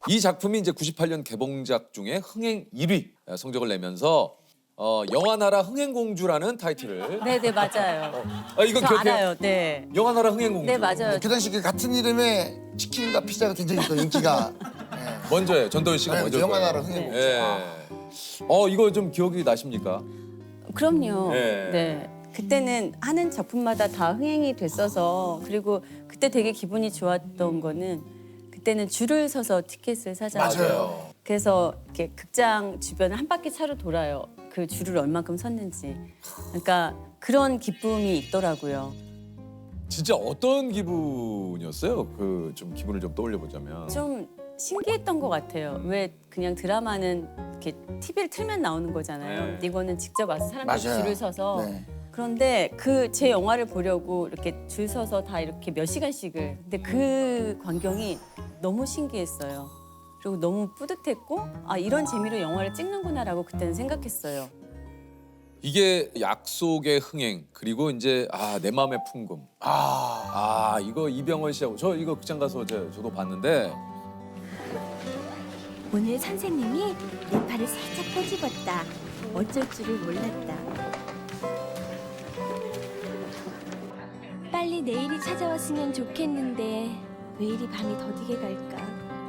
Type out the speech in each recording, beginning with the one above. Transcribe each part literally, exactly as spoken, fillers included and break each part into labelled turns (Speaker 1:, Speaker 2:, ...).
Speaker 1: 이 작품이 이제 구십팔 년 개봉작 중에 흥행 일 위 성적을 내면서 어, 영화나라 흥행공주라는 타이틀을
Speaker 2: 네네 맞아요.
Speaker 1: 아 이거
Speaker 2: 저
Speaker 1: 기억해요?
Speaker 2: 알아요. 네.
Speaker 1: 영화나라 흥행공주.
Speaker 2: 네 맞아요.
Speaker 3: 그 당시 그 같은 이름의 치킨과 피자가 굉장히 또 인기가 예.
Speaker 1: 먼저예요. 전도연 씨가
Speaker 3: 네,
Speaker 1: 먼저.
Speaker 3: 영화나라 흥행공주.
Speaker 1: 예. 어 이거 좀 기억이 나십니까?
Speaker 2: 그럼요.
Speaker 1: 네.
Speaker 2: 네. 그때는 하는 작품마다 다 흥행이 됐어서 그리고 그때 되게 기분이 좋았던 거는 그때는 줄을 서서 티켓을 사잖아요.
Speaker 3: 맞아요.
Speaker 2: 그래서 이렇게 극장 주변을 한 바퀴 차로 돌아요. 그 줄을 얼만큼 섰는지. 그러니까 그런 기쁨이 있더라고요.
Speaker 1: 진짜 어떤 기분이었어요? 그 좀 기분을 좀 떠올려 보자면.
Speaker 2: 좀 신기했던 것 같아요. 왜 그냥 드라마는 이렇게 티비를 틀면 나오는 거잖아요.
Speaker 1: 네.
Speaker 2: 근데 이거는 직접 와서 사람들이
Speaker 3: 맞아요.
Speaker 2: 줄을 서서
Speaker 3: 네.
Speaker 2: 그런데 그 제 영화를 보려고 이렇게 줄 서서 다 이렇게 몇 시간씩을 근데 그 광경이 너무 신기했어요. 그리고 너무 뿌듯했고 아 이런 재미로 영화를 찍는구나라고 그때는 생각했어요.
Speaker 1: 이게 약속의 흥행 그리고 이제 아 내 마음의 풍금. 아, 아 이거 이병헌 씨하고 저 이거 극장 가서 제, 저도 봤는데
Speaker 4: 오늘 선생님이 내 팔을 살짝 꼬집었다. 어쩔 줄을 몰랐다. 빨리 내일이 찾아왔으면 좋겠는데 왜 이리 밤이 더디게 갈까?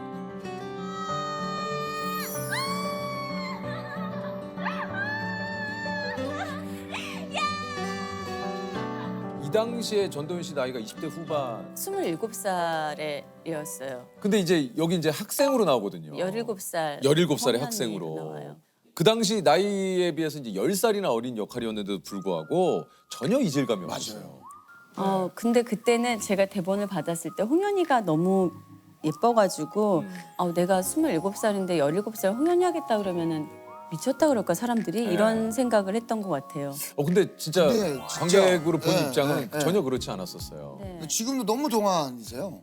Speaker 1: 이 당시에 전도연 씨 나이가 이십 대 후반.
Speaker 2: 스물일곱 살이었어요.
Speaker 1: 근데 이제 여기 이제 학생으로 나오거든요.
Speaker 2: 열일곱 살.
Speaker 1: 열일곱 살의
Speaker 2: 성년이
Speaker 1: 학생으로.
Speaker 2: 나와요.
Speaker 1: 그 당시 나이에 비해서 이제 열 살이나 어린 역할이었는데도 불구하고 전혀 이질감이 없었어요.
Speaker 2: 어 근데 그때는 제가 대본을 받았을 때 홍현이가 너무 예뻐가지고
Speaker 1: 음.
Speaker 2: 아, 내가 스물일곱 살인데 열일곱 살 홍현이 하겠다 그러면은 미쳤다 그럴까 사람들이
Speaker 1: 네.
Speaker 2: 이런 생각을 했던 것 같아요.
Speaker 1: 어 근데 진짜
Speaker 3: 근데 진짜,
Speaker 1: 관객으로 본
Speaker 3: 네,
Speaker 1: 입장은
Speaker 3: 네, 네.
Speaker 1: 전혀 그렇지 않았었어요.
Speaker 2: 네,
Speaker 3: 지금도 너무 동안이세요.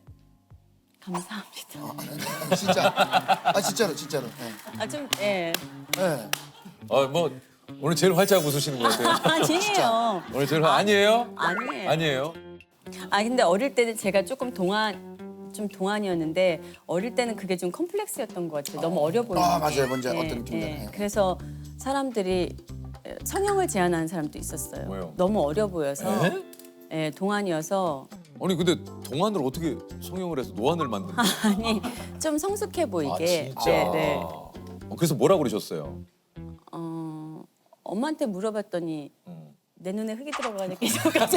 Speaker 2: 감사합니다.
Speaker 3: 진짜. 아 진짜로 진짜로. 네.
Speaker 2: 아 좀 예.
Speaker 3: 네.
Speaker 1: 어, 뭐 오늘 제일 활짝 웃으시는 것 같아요.
Speaker 2: 아니에요.
Speaker 1: 오늘 제일 활- 아니에요?
Speaker 2: 아니에요.
Speaker 1: 아니에요.
Speaker 2: 아 근데 어릴 때는 제가 조금 동안 좀 동안이었는데 어릴 때는 그게 좀 컴플렉스였던 것 같아요. 너무 어려 보이는
Speaker 3: 아,
Speaker 2: 게.
Speaker 3: 맞아요. 뭔지 어떤 느낌인지 알아요.
Speaker 2: 그래서 사람들이 성형을 제안하는 사람도 있었어요.
Speaker 1: 왜요?
Speaker 2: 너무 어려 보여서
Speaker 1: 네?
Speaker 2: 예, 동안이어서
Speaker 1: 아니 근데 동안을 어떻게 성형을 해서 노안을 만드는 거예요?
Speaker 2: 아니 좀 성숙해
Speaker 1: 아
Speaker 2: 보이게.
Speaker 1: 진짜.
Speaker 2: 네, 네.
Speaker 1: 어, 그래서 뭐라 그러셨어요?
Speaker 2: 어, 엄마한테 물어봤더니
Speaker 1: 음.
Speaker 2: 내 눈에 흙이 들어가는 게 저까지.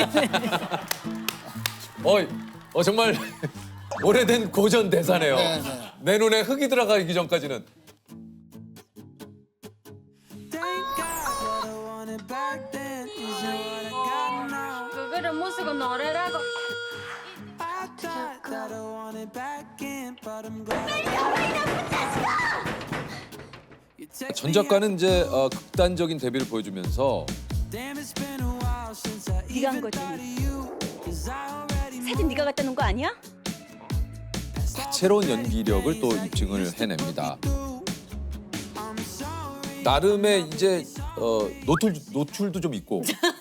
Speaker 1: 어, 어 정말 오래된 고전 대사네요.
Speaker 3: 네, 네.
Speaker 1: 내 눈에 흙이 들어가기 전까지는
Speaker 2: 그거를 못 쓰고 노래라고.
Speaker 1: 전 작가는 이제 어, 극단적인 데뷔를 보여주면서
Speaker 4: 네가 한 거지. 사진 네가 갖다 놓은 거 아니야?
Speaker 1: 다채로운 연기력을 또 입증을 해냅니다. 나름의 이제 어, 노출, 노출도 좀 있고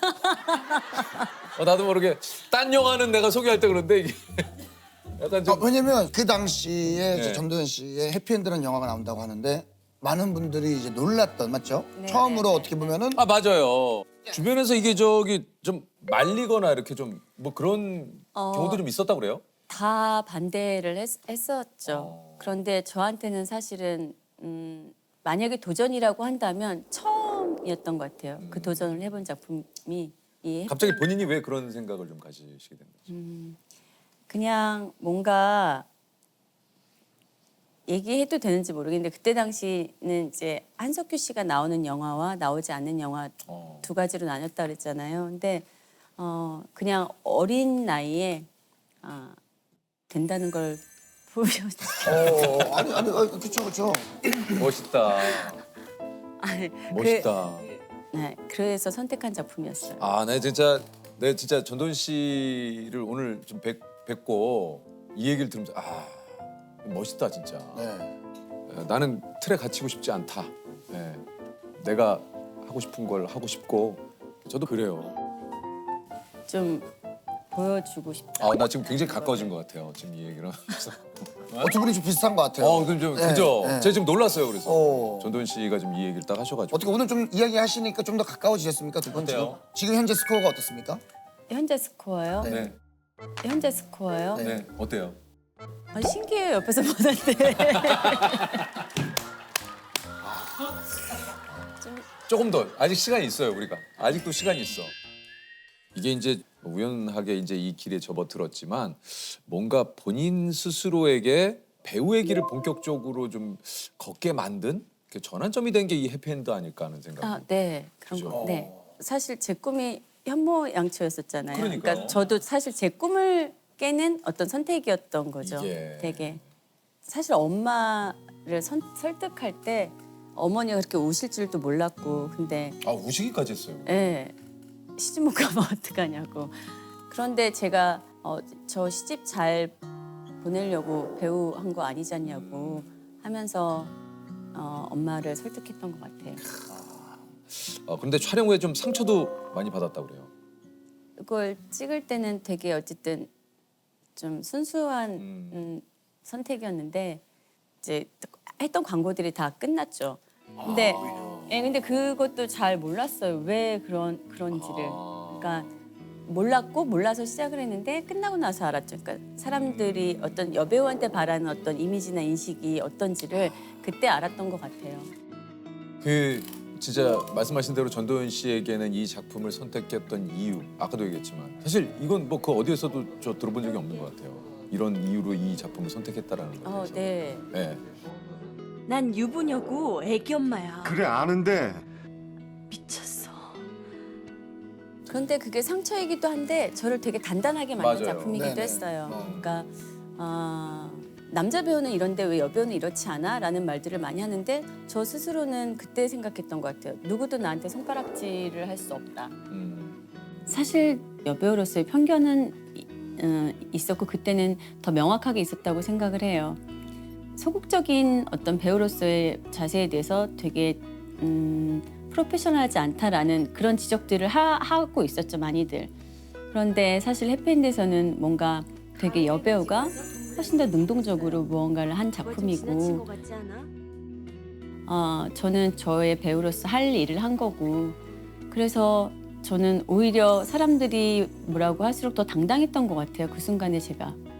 Speaker 1: 어, 나도 모르게 딴 영화는 내가 소개할 때 그런데 이게 약간
Speaker 3: 아,
Speaker 1: 좀
Speaker 3: 왜냐면 그 당시에
Speaker 1: 네.
Speaker 3: 전도연 씨의 해피엔드라는 영화가 나온다고 하는데 많은 분들이 이제 놀랐던 맞죠?
Speaker 2: 네,
Speaker 3: 처음으로
Speaker 2: 네,
Speaker 3: 어떻게 보면은
Speaker 1: 아 맞아요. 주변에서 이게 저기 좀 말리거나 이렇게 좀 뭐 그런
Speaker 2: 어.
Speaker 1: 경우도 좀 있었다고 그래요?
Speaker 2: 다 반대를 했, 했었죠.
Speaker 1: 어.
Speaker 2: 그런데 저한테는 사실은 음, 만약에 도전이라고 한다면 처음이었던 것 같아요. 그 도전을 해본 작품이 이
Speaker 1: 갑자기 본인이 왜 그런 생각을 좀 가지시게 된 거죠?
Speaker 2: 그냥 뭔가 얘기해도 되는지 모르겠는데 그때 당시는 이제 한석규 씨가 나오는 영화와 나오지 않는 영화
Speaker 1: 어.
Speaker 2: 두 가지로 나눴다 그랬잖아요. 근데 어 그냥 어린 나이에 아, 된다는 걸 보여줬죠.
Speaker 3: 어, 아니 아니 어, 그쵸 그쵸.
Speaker 1: 멋있다.
Speaker 2: 아니,
Speaker 1: 멋있다.
Speaker 2: 그, 네, 그래서 선택한 작품이었어요.
Speaker 1: 아, 네 진짜 네 진짜 전돈 씨를 오늘 좀 뵙, 뵙고 이 얘기를 들으면서 아 멋있다 진짜.
Speaker 3: 네.
Speaker 1: 에, 나는 틀에 갇히고 싶지 않다. 예, 내가 하고 싶은 걸 하고 싶고 저도 그래요.
Speaker 2: 좀 보여주고 싶다.
Speaker 1: 아, 나 지금 굉장히 가까워진 것 같아요. 지금 이 얘기를 하면서.
Speaker 3: 어, 두 분이 좀 비슷한 것 같아요.
Speaker 1: 어, 그럼 좀
Speaker 3: 네,
Speaker 1: 그죠?
Speaker 3: 네.
Speaker 1: 제가 지금 놀랐어요. 그래서
Speaker 3: 어.
Speaker 1: 전도연 씨가 지금 이 얘기를 딱 하셔가지고.
Speaker 3: 어떻게 오늘 좀 이야기 하시니까 좀 더 가까워지셨습니까 두 분 지금?
Speaker 1: 어때요?
Speaker 3: 지금 현재 스코어가 어떻습니까?
Speaker 2: 현재 스코어요?
Speaker 3: 네.
Speaker 1: 네,
Speaker 2: 현재 스코어요?
Speaker 3: 네.
Speaker 1: 네, 어때요?
Speaker 2: 아, 신기해요. 옆에서 보는데.
Speaker 1: 조금 더 아직 시간이 있어요. 우리가 아직도 시간이 있어. 이게 이제 우연하게 이제 이 길에 접어들었지만 뭔가 본인 스스로에게 배우의 길을 본격적으로 좀 걷게 만든 그 전환점이 된 게 이 해피엔드 아닐까 하는 생각.
Speaker 2: 아, 네. 그런
Speaker 1: 그죠?
Speaker 2: 거. 네. 사실 제 꿈이 현모양처였었잖아요.
Speaker 1: 그러니까요.
Speaker 2: 저도 사실 제 꿈을 깨는 어떤 선택이었던 거죠.
Speaker 1: 이게.
Speaker 2: 되게 사실 엄마를 선, 설득할 때 어머니가 그렇게 우실 줄도 몰랐고 근데
Speaker 1: 아 우시기까지 했어요.
Speaker 2: 예. 시집 못 가면 어떡하냐고. 그런데 제가 어, 저 시집 잘 보내려고 배우 한 거 아니지 않냐고 하면서 어, 엄마를 설득했던 것 같아요.
Speaker 1: 어, 그런데 촬영 후에 좀 상처도 많이 받았다 그래요.
Speaker 2: 이걸 찍을 때는 되게 어쨌든 좀 순수한
Speaker 1: 음.
Speaker 2: 음, 선택이었는데 이제 했던 광고들이 다 끝났죠. 근데 예, 근데 그것도 잘 몰랐어요. 왜 그런 그런지를.
Speaker 1: 아.
Speaker 2: 그러니까 몰랐고 몰라서 시작을 했는데 끝나고 나서 알았죠. 그러니까 사람들이 어떤 여배우한테 바라는 어떤 이미지나 인식이 어떤지를 그때 알았던 것 같아요.
Speaker 1: 그 진짜 말씀하신 대로 전도연 씨에게는 이 작품을 선택했던 이유 아까도 얘기했지만 사실 이건 뭐 그 어디에서도 저 들어본 적이 없는 것 같아요. 이런 이유로 이 작품을 선택했다라는 거에
Speaker 2: 어,
Speaker 1: 대해서.
Speaker 2: 네.
Speaker 1: 네.
Speaker 5: 난 유부녀고 애기 엄마야.
Speaker 6: 그래 아는데
Speaker 5: 미쳤어.
Speaker 2: 그런데 그게 상처이기도 한데 저를 되게 단단하게 만든
Speaker 1: 맞아요.
Speaker 2: 작품이기도
Speaker 3: 네네.
Speaker 2: 했어요.
Speaker 3: 어.
Speaker 2: 그러니까 아, 남자 배우는 이런데 왜 여배우는 이렇지 않아? 라는 말들을 많이 하는데 저 스스로는 그때 생각했던 것 같아요. 누구도 나한테 손가락질을 할 수 없다.
Speaker 1: 음.
Speaker 2: 사실 여배우로서의 편견은 이- 어, 있었고 그때는 더 명확하게 있었다고 생각을 해요. 소극적인 어떤 배우로서의 자세에 대해서 되게 음, 프로페셔널하지 않다라는 그런 지적들을 하, 하고 있었죠, 많이들. 그런데 사실 해피엔드에서는 뭔가 되게 여배우가 훨씬 더 능동적으로 무언가를 한
Speaker 5: 지나친
Speaker 2: 작품이고
Speaker 5: 거 같지 않아?
Speaker 2: 어, 저는 저의 배우로서 할 일을 한 거고 그래서 저는 오히려 사람들이 뭐라고 할수록 더 당당했던 것 같아요. 그 순간에 제가.